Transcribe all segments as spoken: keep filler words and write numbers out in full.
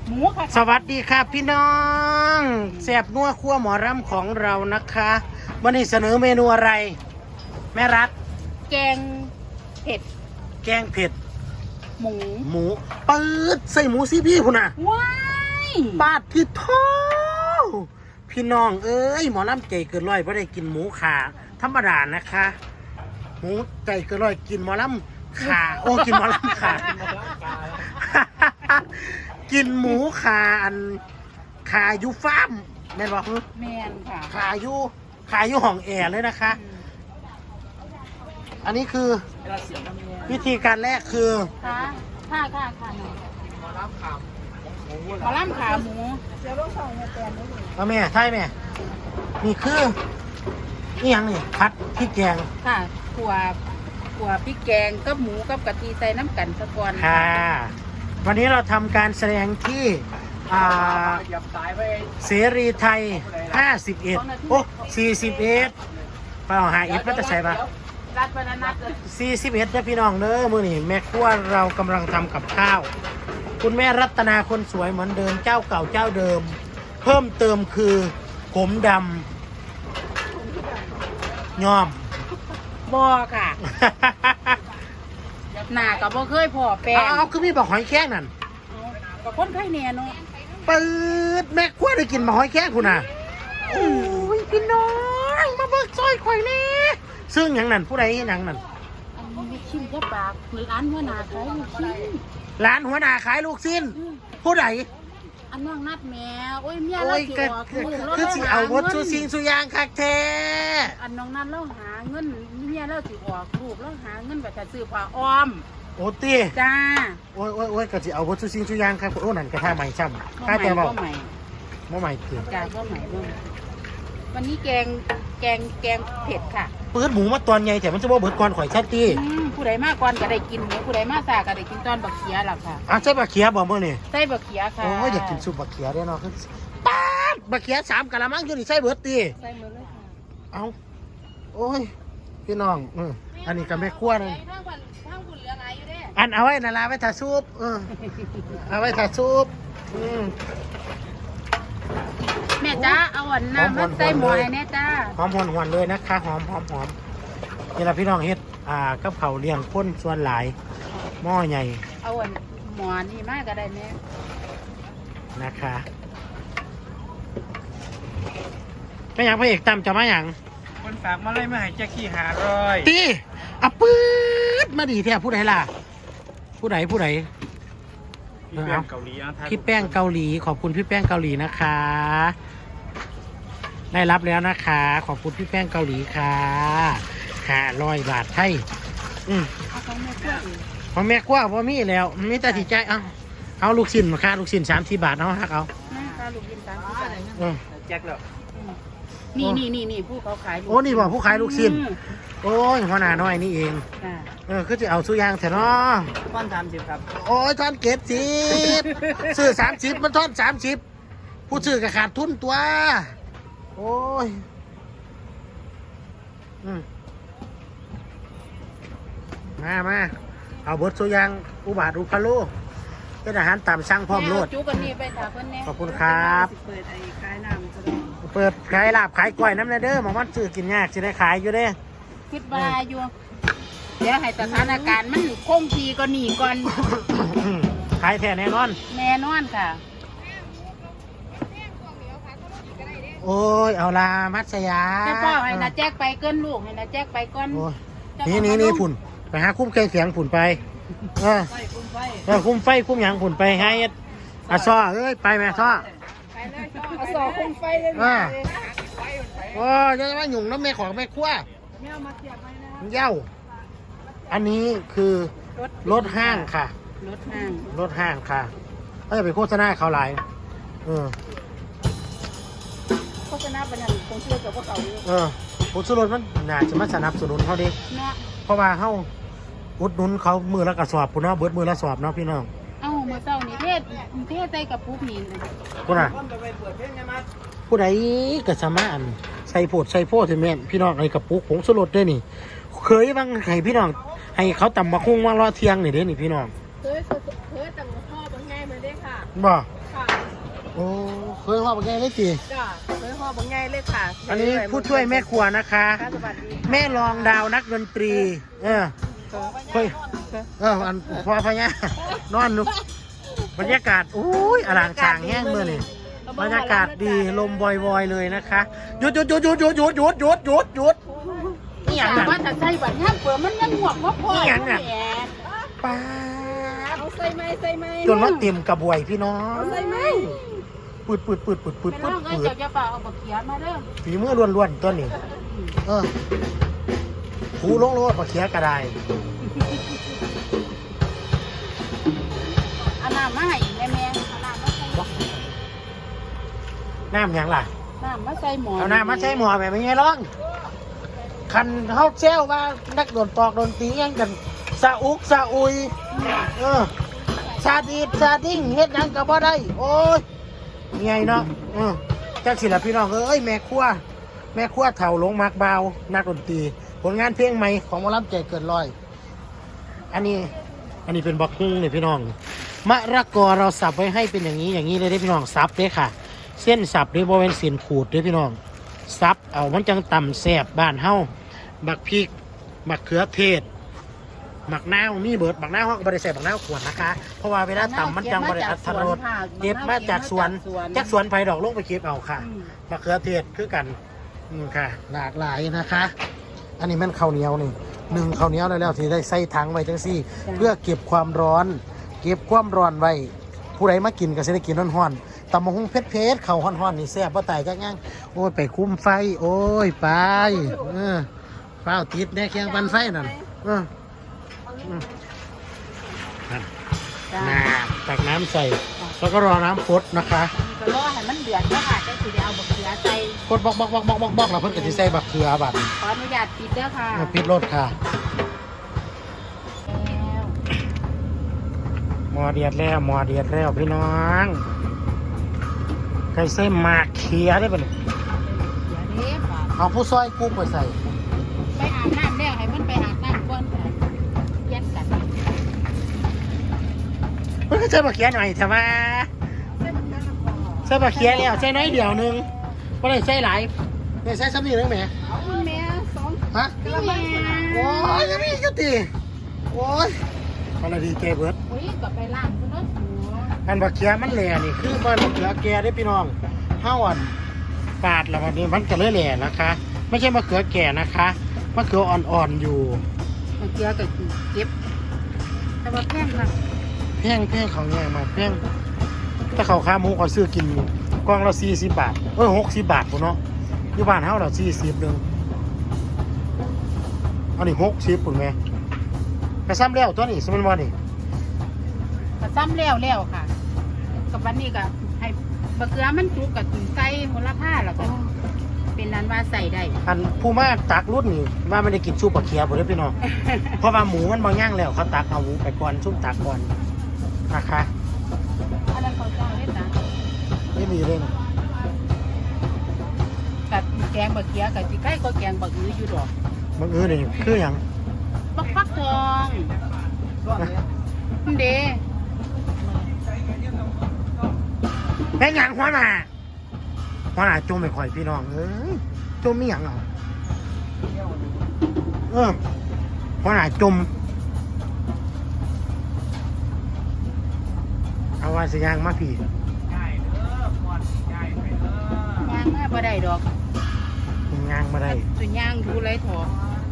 หมูค่ะสวัสดีครับพี่น้องแซ่บนัวครัวหมอรำของเรานะคะวันนี้เสนอเมนูอะไรแม่รัฐแกงเผ็ดแกงเผ็ดหมูหมูปืดใส่หมูสิพี่พุ่นน่ะว้ายปาดที่ท้อพี่น้องเอ้ยหมอรำใจเกินร้อยเพราะได้กินหมูขาธรรมดานะคะหมูใจเกินร้อยกินหมอรำขาโอ้กินหมอรำขากินหมูขาอันขาอยู่ฟาร์มแม่นบอกแมนค่ะขาอยู่ขาอยู่ห้องแอร์เลยนะคะอันนี้คือวิธีการแรกคือค่ะค่ะค่ะค่ะหมอลำขาหมูหมอลำขาหมูเดี๋ยวลูกสองมาแตนได้เลยเอาแม่ใช่แม่นี่คือนี่ยังนี่ผัดพริกแกงค่ะขัวขัวพริกแกงกับหมูกับกะทิใส่น้ำกันสะก่อนค่ะวันนี้เราทำการแสดงที่เสรีไทยห้าสิบเอ็ดโอ้สี่สิบเอ็ดเปล่าหาอิฐพัฒใส่ปะรัดบรรณัตเลยสี่สิบเอ็ดนะพี่น้องเด้อมือนี่แม่ครัวเรากำลังทำกับข้าวคุณแม่รัตนาคนสวยเหมือนเดิมเจ้าเก่าเจ้าเดิมเพิ่มเติมคือผมดำย้อมบอค่ะหน้ากับบ่เคยพอแปลงเอาคือมีบอกหอยแข้งนั่นกับคนไข้แน่เนาะปืดแม่ครัวได้กินบอกหอยแข้งคุณน่ะโอ้ยพี่น้องมาเบิกซอยข่อยนี่ซึ่งอย่างนั้นผู้ใดอย่างนั้นอันนี้ชิ้นแค่ปากเหมือนร้านหัวหน้าขายลูกชิ้นร้านหัวหน้าขายลูกชิ้นผู้ใดอันน้องนัดแม่โอ้ยเมียเราสิออกคือสิเอาวัตถุสิ่งสุยางคักแท้อันน้องนัดเราหาเงินเมียเราสิออกลูกเราหาเงินแบบจะซื้อผ้าอ้อมโอ้ตีจ้าโอ้ยโอ้ยโอ้ยก็สิเอาวัตถุสิ่งสุยางครับโอ้นั่นกระทะใหม่ช่ำข้าแต่บอกใหม่บ่ใหม่คือจ้าบ่ใหม่บ่วันนี้แกงแกงแกงเผ็ดค่ะเปิดหมูมาตอนใหญ่แต่มันจะบ่เบิดก่อนข่อยชัดตีผู้ใดมากก่อนก็ได้กินหมูผู้ใดมากสาก็ได้กินตอนบักเขียหล่ะค่ะอ่ะใช่บักเขียบ่มื้อนี่ใส่บักเขียค่ะโอ้ยอยากกินซุปบักเขียเด้เนาะคือป๊าดบักเขียสามกะละมังอยู่นี่ใส่เบิดตีใส่หมดเลยค่ะเอาโอ้ยพี่น้องเอออันนี้ก็แม่ครัวนึงอันเอาไว้นาลาไว้ถ่าซุปเออเอาไว้ถ่าซุปอืมแม่จ้าเอาหวานน้ำมาใส่หมูให้แน่จ้าหอมหอนหวนเลยนะคะหอมหอมหอมนี่ละพี่น้องเฮ็ดอ่ากับเขาเลี้ยงพ้นส่วนหลายหม้อใหญ่เอาหวานหมอนี่มากก็ได้แม่นะคะก็อย่างพระเอกตามจะมาอย่างคนฝากมาเลยมาให้แจ็คกี้หาร้อยตีอ่ะปื๊ดมาดีแท้ผู้ใดล่ะผู้ใดผู้ใดพี่แป้งเกาหลีพี่แป้งเกาหลีขอบคุณพี่แป้งเกาหลีนะคะได้รับแล้วนะคะขอบคุณพี่แป้งเกาหลีค่ะห้าร้อยบาทไทยอืมพอแม่กว่าพอมีแล้วมีแต่สิใจเอาเอาลูกชิ้นมาค่ะลูกชิ้นสามสี่บาทเอาฮักเอาลูกชิ้นสามสี่บาทแจ็คแล้วนี่นี่นี่นี่ผู้เขาขายโอ้นี่บอกผู้ขายลูกชิ้นโอ้ยหัวหน้าน้อยนี่เองเออคือจะเอาสุยางแถวเนาะท่อนสามสิบครับโอ้ยท่อนเก็บสิบซื้อสามสิบมันท่อนสามสิบผู้ซื้อก็ขาดทุนตัวโอ้ยอืมมามาเอาบดสุยางอุบาทอุคาโลเป็นอาหารตามสั่งพร้อมโลดขอบคุณครับเปิดไอ้ขายน้ำจะได้เปิดขายลาบขายกล้วยน้ำเด้อหมอมันซื้อกินยากจะได้ขายอยู่เด้คิดว่าอยู่เดี๋ยวให้สถานการณ์มันคงทีก็หนีก่อนขายแท้แน่นอนแน่นอนค่ะโอ้ยเอาลามัตสยาแม่พ่อให้นาแจ๊กไปเกินลูกให้นาแจ๊กไปก่อนนี่นี่นี่ฝุ่นไปหาคุ้มเครื่องเสียงฝุ่นไปเออเออคุ้มไฟคุ้มหยางฝุ่นไปให้อาซ้อเอ้ยไปแม่ซ้ออาซ้อคุ้มไฟเลยโอ้ยจะมาหยุ่งน้ำแม่ของแม่ขั้วแม่มาเสียบไว้นะเย้าอันนี้คือรถห้างค่ะรถห้างรถห้างค่ะเขาจะไปโฆษณาเขาหลายเออโฆษณาเป็นอย่างคงเชื่อกับพวกเขาอยู่เออผลสุรสมันน่าจะมาสนับสนุนเขาดิเพราะว่าเขาอุดหนุนเขามือละกระสอบพุ่นเนาะเบิดมือละสอบเนาะพี่น้องเอ้าเมื่อเช้านี้เทศเทศใจกับปุ๊บนี่พุ่นอ่ะผู้ใดก็สามารถใส่โพดใส่โพดถึงแม่พี่น้องไอ้กระปุกผงสุรสด้วยนี่เคยบ้างให้พี่น้องให้เขาตำมะคุ้งมารอเที่ยงนี่เด้นี่พี่น้องเคยเคยตำมะข้อบางไงมาได้ค่ะบ่ค่ะโอ้เคยว่าเป็นไงเลยจีจ้าเคยห่อบางไงเลยค่ะอันนี้ผู้ช่วยแม่ครัวนะคะสวัสดีแม่รองดาวนักดนตรี เออเฮ้ยเอออันพอพะเนี่ยนอนนุกบรรยากาศอุ้ยอลังฉางแห้งเมื่อนี่บรรยากาศดีลมวอยๆเลยนะคะหยุดหยุดหยุดหยุดหยุดหยุดหยุดหยุดหยุดหยุดนี่อย่างนั้นว่าจะใส่บัตรห้ามเปิดมันยังหวกว่าพ่อนี่หยังน่ะ ป้าดเอาใส่ไหมใส่ไหมจนว่าเต็มกระบวยพี่น้องเอาใส่ไหมปืดปืดปืดปืดปืดเป็นปืดร่างเอ้ยปืดเจ้าจะเปล่าเอาบักเขียมาเด้อฝีมือล้วนๆตัวนี้เออหูลงโลดปลาเขียกระไดเอาน้ำมาให้แม่แม่เอาน้ำมาใส่น้ำหยังล่ะน้ำมาใส่หมอเอาน้ำมาใช้หมอแบบไม่ไงร้องคันเขาเซลว่านักดนตอกดนตรียังกันสะอุกสะอุยเออซาดีดซาดิ้งเฮ็ดหยังก็บ่ได้โอ้ยไงเนาะเออจักสิล่ะพี่น้องเอ้ยแม่ครัวแม่ครัวเฒ่าลงมักบาวนักดนตรีผลงานเพลงใหม่ของหมอลำใจเกินร้อย อันนี้อันนี้เป็นบักฮุ้งเลยพี่น้องมะระกอเราสับไว้ให้เป็นอย่างนี้อย่างนี้เลยได้พี่น้องสับเด้ค่ะ เส้นสับด้วยบริเวณเส้นขูดด้วยพี่น้องสับเอามันจังต่ำแสบบ้านเฮาบักพริกบักเขือเทศบักนาวมีเบิดบักนาวเฮาก็บ่ได้ใส่บักนาวขวดนะคะเพราะว่าเวลาต่ำมันจังบ่ได้อัตรสเก็บมาจากสวนจากสวนไผ่ดอกลงไปเก็บเอาค่ะบักเขือเทศคือกันอืมค่ะ หลากหลายนะคะ อันนี้มันข้าวเหนียวนี่หนึ่งข้าวเหนียวได้แล้วที่ได้ใส่ถังไว้จังซี่ เพื่อเก็บความร้อน เก็บความร้อนไว้ผู้ใดมากินก็สิได้กินร้อนๆตำมะฮุ่งเผ็ดๆข้าวฮ้อนๆนี่แซ่บบ่ตายจักอย่างโอ้ยไปคุ้มไฟโอ้ยไปเออฟ้าวติดแน่เคียงปันไฟนั่นเอออืมนั่นน้ำตักน้ำใส่แล้วก็รอน้ำพดนะคะก็รอให้มันเดือดแล้วค่ะจังสิได้เอาบักเขียใส่พดบอกบอกบอกบอกบอกบอกแล้วเพิ่นก็สิใส่บักเขือบัดขออนุญาตปิดเด้อค่ะเอาปิดรถค่ะแล้วหมอเดียดแล้วหมอเดียดแล้วพี่น้องใครใส่หมากเขียได้ปะเนี่ยเดี๋ยวนี้ค่ะเอาผู้ซอยกุ้งไปใส่ไปอาบน้ำแล้วให้มันไปอาบน้ำก่อนค่ะเย็นกันเพิ่งใส่หมากเขียหน่อยใช่ไหมใส่หมากเขียแล้วใส่น้อยเดียวหนึงไม่ได้ใส่หลายไม่ใส่ซ้ำนี่นึงแหมเอาคุณแม่สองฮะพี่แม่โอ้ยยังมีอีกตีโอ้ยอะไรดีเจเบิร์ดอุ้ยกลับไปล้างคุณรถหัวอันหมากเขียมันแหล่นี่คือบ้านหมากเขียแก่ได้อพี่น้องห้าวันปาดแล้ววันนี้มันจะเลยแหล่นะคะ ไม่ใช่มะเขือแก่นะคะมะเขืออ่อนๆอยู่มันเกลือกับเก็บ แต่ว่าแพงค่ะแพงแพงเขาเนี่ยมาแพงถ้าเขาค้าหมูเขาซื้อกินกล่องละสี่สิบบาทเออหกสิบบาทพุ่นเนาะอยู่บ้านเฮาเราสี่สิบนึงอันนี้หกสิบปุ่นแม่กระซ้ำแล้วตัวนี้สมัยวันนี้ก็ซ้ำแล้วแล้วค่ะ กับวันนี้ก็ให้บะเกลือมันจุกกับใส่หัวละผ้าแล้วก็เป็นนั้นว่าใส่ได้อันผู้มาตักรุ่นนี่ว่าไม่ได้กินซุปปลาเคียบ่ได้อพี่น้อง เพราะว่าหมูมันบางย่างแล้วเขาตักเอาหมูไปก่อนซุปตักก่อนนะคะอันนั้นเขาเจ้าเล่นนะไม่มีเลยนะกับแกงบะเกลือกับจีไก่ก็แกงบะอื้ออยู่ดอกมันเออนี่คืออย่างบักฟักทองเด้แม่งหยังหัวหน้าหัวหน้าจมไม่ค่อยพี่น้องเอ้ยจมมีหยังเอาเออหัวหน้าจมเอาว่าสิยางมาพี่ย่างมาบ่ได้ดอกยางมาได้ส่วนย่างดูไรถอ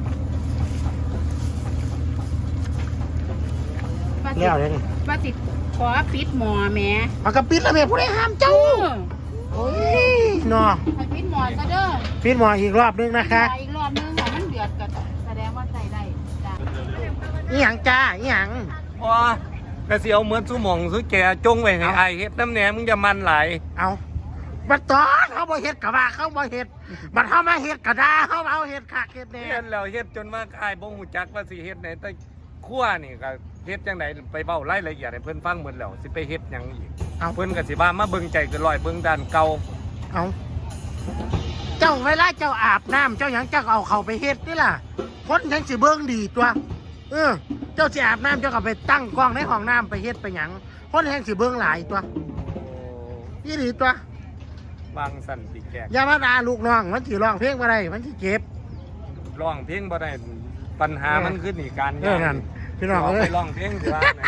แล้วเลยนี่ว่าสิขอปิดหมอแม่เอากระปิดแล้วแม่ผู้ใดห้ามเจ้าโอ้ยเนาะให้ปิดหมอซะเด้อปิดหมออีกรอบนึงนะคะอีกรอบนึงค่ะมันเดือดก็แสดงว่าใส่ได้จ้ะอีหยังจ้าอีหยังพอกระเสียวเหมือนสุหมองสุแกจงไว้ให้ไอายเฮ็ดน้ำแหนมึงจะมันไหลายเอาบัดตอนเขาบ่เฮ็ดกะว่าเขาบ่เฮ็ดบัดเขามาเฮ็ดกะดาเขาเอาเฮ็ดคักเฮ็ดแน่เฮ็ดแล้วเฮ็ดจนมากอายบ่ฮู้จักว่าสิเฮ็ดไหนแต่ขั้วนี่ก็เฮ็ดจังไดไปเว้ารายละเอียดให้เพิ่นฟังหมดแล้วสิไปเฮ็ดหยังอีกเอาเพิ่นก็สิว่ามาเบิ่งใจเกินร้อยเบิ่งด้านเก่าเอาเจ้าเวลาเจ้าอาบน้ำเจ้าหยังเจ้าเอาเขาไปเฮ็ดนี่ล่ะคนทั้งสิเบิ่งดีตัวเออเจ้าสิอาบน้ำเจ้าก็ไปตั้งกล้องในห้องน้ำไปเฮ็ดไปหยังคนแห่งสิเบิ่งหลายตัวยี่หลีตัววางสั่นติแกกอย่ามาด่าลูกน้องมันสิร้องเพลงบ่ได้มันสิเจ็บร้องเพลงบ่ได้ปัญหามันขึ้นอีกการเออนั่นพี่น้องเอาเอ้ไปยร้องเพลงสิว่าไหน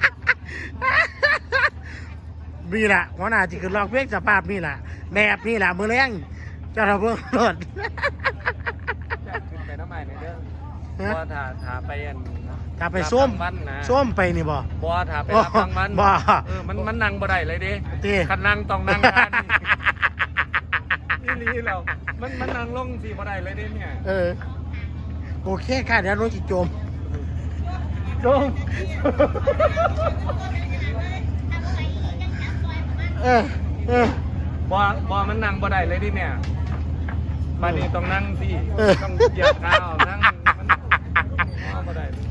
นี่ล่ะหัวหน้าที่คือร้องเพลงสภาพนี่ล่ะแบบนี่ล่ะมื้อแรงเจ้าระเบิ่งรถอยากขึ้นไปน้ำใหม่ในเด้อฮะบ่ถ้าถ้าไปอันถ้าไปส้มรับรางวัลนะส้มไปนี่บ่บ่ถ้าไปโอ้รับรางวัลบ่เออมันมันนั่งบ่ได้เลยเด้ติคันนั่งต้องนั่งทานนี่นี่ลีแล้วมันมันนั่งลงสิบ่ได้เลยเด้เนี่ยเออโอเคค่ะเดี๋ยวรถสิจมจมเออเออบ่บ่มันนั่งบ่ได้เลยเดิเนี่ยบัดนี้ต้องนั่งสิเออต้องเหยียบเท้านั่งมันเอาบ่ได้เลย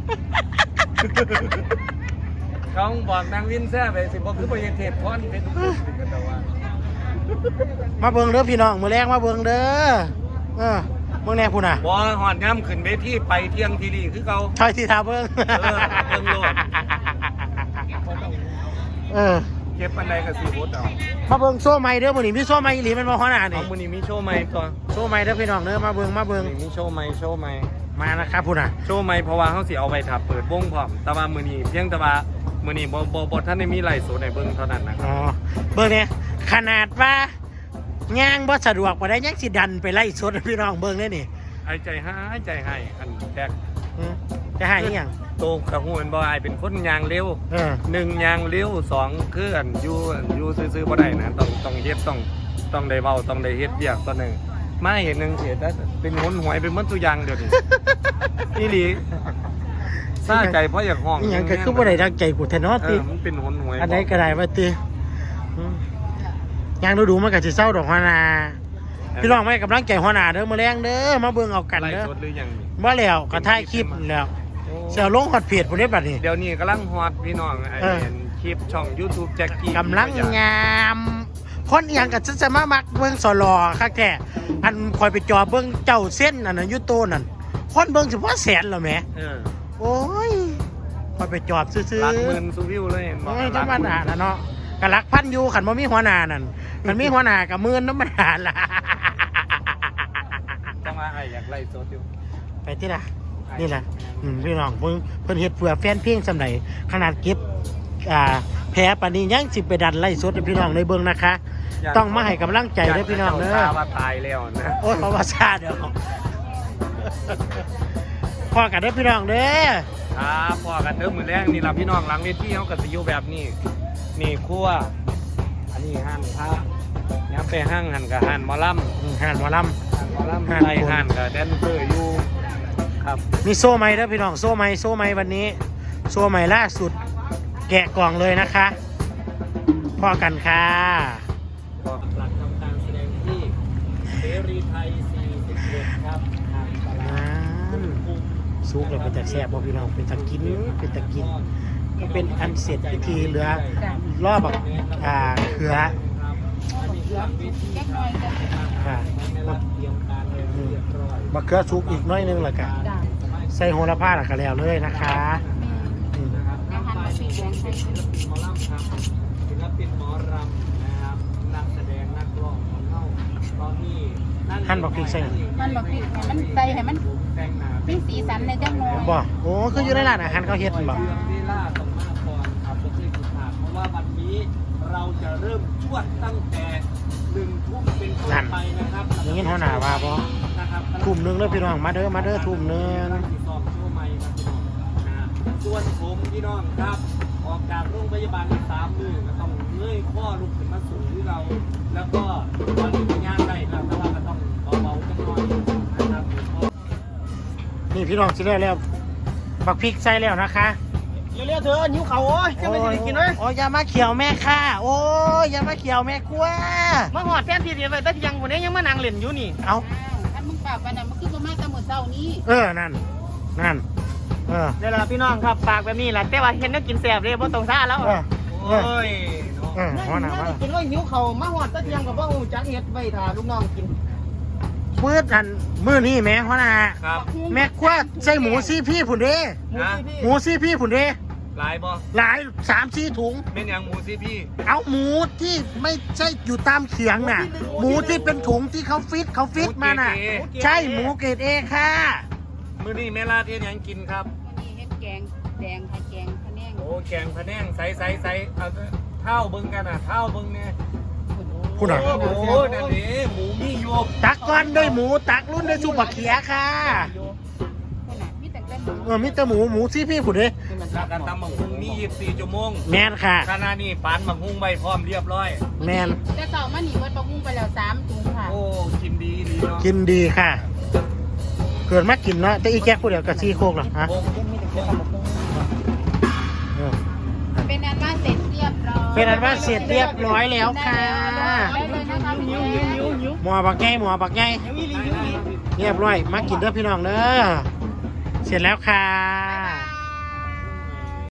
เขาบอกนางวินแซ่ไปสิบ่คือบ่เฮ็ดเทศพรเป็นทุกคนสิกันแต่ว่ามาเบิ่งเด้อพี่น้องมื้อแรงมาเบิ่งเด้อเออเบิ่งแน่พุ่นน่ะบ่ฮอดย่ำขึ้นเวทีไปเที่ยงทีรีคือเก่าถอยที่ทาเบิ่งเออเบิ่งโลดเออเก็บปานใดก็สิบ่เอามาเบิ่งโซ่ใหม่เด้อมื้อนี้มีโซ่ใหม่อีหลีแม่นบ่ฮ้อหน้าเอานี่มื้อนี้มีโชว์ใหม่ตัวโซ่ใหม่เด้อพี่น้องเด้อมาเบิ่งมาเบิ่งมื้อนี้มีโชว์ใหม่โชว์ใหม่มานะครับพุ่นน่ะโชว์ใหม่เพราะว่าเฮาสิเอาไว้ถ้าเปิดวงพร้อมแต่ว่ามื้อนี้เพียงแต่ว่ามื้อนี้บ่บ่บ่ทันได้มีไลฟ์สดให้เบิ่งเท่านั้นนะครับอ๋อเบิ่งเนี่ยขนาดว่าย่างบ่สะดวกบ่ได้ยังสิดันไปไล่สดให้พี่น้องเบิ่งเด้อนี่หายใจหายใจให้อันแตกอืมจะให้อีหยังโตกระหูเป็นบ่อายเป็นคนยางเร็วเออหนึ่งยางเร็วสองคืออันอยู่อันอยู่ซื่อๆบ่ได้นะต้องต้องเฮ็ดต้องต้องได้เว้าต้องได้เฮ็ดเวียกตัวหนึงมาเห็นหนึงเสียแต่เป็นหนหวยเป็นเหมือนตัวอย่างเดี๋ยวนี้ อีหลีซาใจเพราะอยากห้องอีหยังก็คือบ่ได้ดังใจกูแท้เนาะเอติอมันเป็นหนหวยอันใดก็ได้ว่าติอืมย่างดูๆมันก็สิเศร้าดอกหัวหน้าพี่น้องไม่กำลังใจหัวหน้าเด้อมื้อแรงเด้อมาเบิ่งเอากันไล่เด้อสดหรือยังนี่บ่แล้วก็ถ่ายคลิปแล้วโอ้เสียลงฮอดเพจพุ่นเด้บัดนี้เดี๋ยวนี้กำลังฮอตพี่น้องไอ้เออเห็นคลิปช่อง YouTube แจ็คกี้กำลังงามคนอีหยังก็จะจะมามักเบิ่งสลอคักแท้อันคอยไปจอเบิ่งเจ้าเส้นอันนั้นอยู่โตนั่นคนเบิ่งสิบ่แสนแล้วแหมเออโอ้ยคอยไปจอบซื่อๆหลักหมื่นซูวิวเลยเห็นบ่โอ้ยธรรมดาละเนาะกะลักพันอยู่ขันบ่มีหัวหน้านั่นมันมีหัวหน้ากับหมื่นธรรมดาละจังว่าไอ้อยากไล่สดอยู่ไปที่ละนี่แหละอืมพี่น้องเพิ่นเพิ่นเฮ็ดเพื่อแฟนเพลงสำใดขนาดเก็บอ่าแพ้ปานนี้ยังสิไปดันไล่สดให้พี่น้องได้เบิ่งนะคะ ต้องมาให้กำลังใจเด้อพี่น้องเด้อยากให้จ้าว่าตายแล้วนะโอ้ยเพราะว่าซาเด้อพอกันเด้อพี่น้องเด้อครับพอกันเด้อมื้อแรกนี่ล่ะพี่น้องหลังเวทีเฮาก็สิอยู่แบบนี้ นี่ครัวอันนี้ห้านพระย้ำไปห้างหันกับห้านหมอลำอืมห่านหมอลห้านหมอลำห้านไทยห้านกับแดนเซอร์อยู่ครับำมีโซ่ไหมเด้อพี่น้องโซ่ไหมโซ่ไหมวันนี้ โซ่ไหมล่าสุด แกะกล่องเลยนะคะพอกันค่ะก็หลักทำการแสดงที่เสรีไทยสี่สิบเอ็ดครับทางตลาดนั่นซุกแล้วเป็นตะแซ่บบ่พี่น้องเป็นตะกินเป็นตะกินก็เป็นอันเสร็จพิธีเหลือรอบบักอ่าเขือแจ็คหน่อยจ้ะค่ะเตรียมการเลยเรียบร้อยบักเขือซุกอีกน้อยนึงและกันจ้ะใส่โหระพาและก็แล้วเลยนะคะอืมยังหันมาสีแดงใส่ศิลปินหมอลำครับศิลปินหมอรำนะครับนักแสดงนักร้องของเขาตอนนี้หั่นบักพริกใส่มันบอกพี่ให้มันใส่ให้มันแต่งหน้ามีสีสันในจังหน่อยบ่โอ้คืออยู่ในร้านอาหารเขาเฮ็ดบ่เดือนเวลาต้องมาก่อนครับผมเคยผิดพลาดเพราะว่าวันนี้เราจะเริ่มชวดตั้งแต่หนึ่งทุ่มเป็นต้นไปนะครับอย่างนี้หัวหน้าว่าบ่นะครับทุ่มหนึงเด้อพี่น้องมาเด้อมาเด้อทุ่มหนึงซ้อมโชว์ใหม่ครับพี่น้องนะส่วนผมพี่น้องครับ ออกจากโรงพยาบาลสามมือก็ต้องเงยข้อลุกขึ้นมาสูงที่เรา แล้วก็ตอนนี้ก็ย่างได้แล้วแต่ว่าก็ต้องเบาๆจังหน่อยนะครับนี่พี่น้องสิได้แล้วบักพริกใส่แล้วนะคะเร็วๆเธอนิ้วเขาโอ้ยจะไม่ได้กินเลยโอ้ยอย่ามาเขียวแม่ค่ะโอ้ยอย่ามาเขียวแม่กลัวมาหอดแทนที่เดียวไปแต่ยังวันนี้ยังมานั่งเล่นอยู่นี่เอาถ้ามึงปากกันน่ะมันคือประมาณตะหมดเช้านี้เออนั่นนั่นเออเดี๋ยวล่ะพี่น้องครับปากแบบนี้แหละแต่ว่าเห็นนักกินแสบเลยเพราะตรงซ่าแล้วเออเออโอ้ยเนาะเออหัวหน้าน่าว่าจะกินว่าหิวเขามาหอดแต่ยังกับว่าหูจักเฮ็ดไว้ถ่าลูกน้องกินมืดอันมือนี่แม่หัวหน้าครับแม่กลัวใส่หมูซี่พี่ผุนเด้หมูที่พี่หมูซี่พี่ผุนเด้เหลายบ่หลายสามสี่ถุงเป็นอย่างหมูสิพี่เอาหมูที่ไม่ใช่อยู่ตามเขียงน่ะ หมูที่เป็นถุงที่เขาฟิตเขาฟิตมาน่ะ ใช่หมูเกรดเอค่ะมื้อนี้แม่ลาเทียนหยังกินครับวันนี้เฮ็ดแกงแดงค่ะแกงพะแนงโอ้แกงพะแนงใสใสใสเอาเท่าเบิ่งกันอ่ะเท่าเบิ่งเนี่ยพูดหน่อยโอ้โหนั่นนี่หมูมีอยู่ตักก้อนด้วยหมูตักรุ่นด้วยซุปบะเขียค่ะคนน่ะมีแต่แต่หมูเออมิตรหมูหมูซี่พี่ผู้เด้แล้วกันตำบักหุ่งมียี่สิบสี่ชั่วโมงแมนค่ะขณะนี้ปานบักหุ่งไว้พร้อมเรียบร้อยแมนแต่เสาร์มานี่เบิดบะฮุ่งไปแล้วสามถุงค่ะโอ้กินดีดีเนาะกินดีค่ะ เกิดมากินเนาะแต่อีแก๊กผู้เดียวกับซี่โคกหรอฮะโอ้เออเป็นอันว่าเสร็จเรียบร้อยเป็นอันว่าเสร็จเรียบร้อยแล้วค่ะได้เลยนะคะพี่แจ๊คหมอบักไงหมอบักไงเรียบร้อยมากินเด้อพี่น้องเด้อเสร็จแล้วค่ะ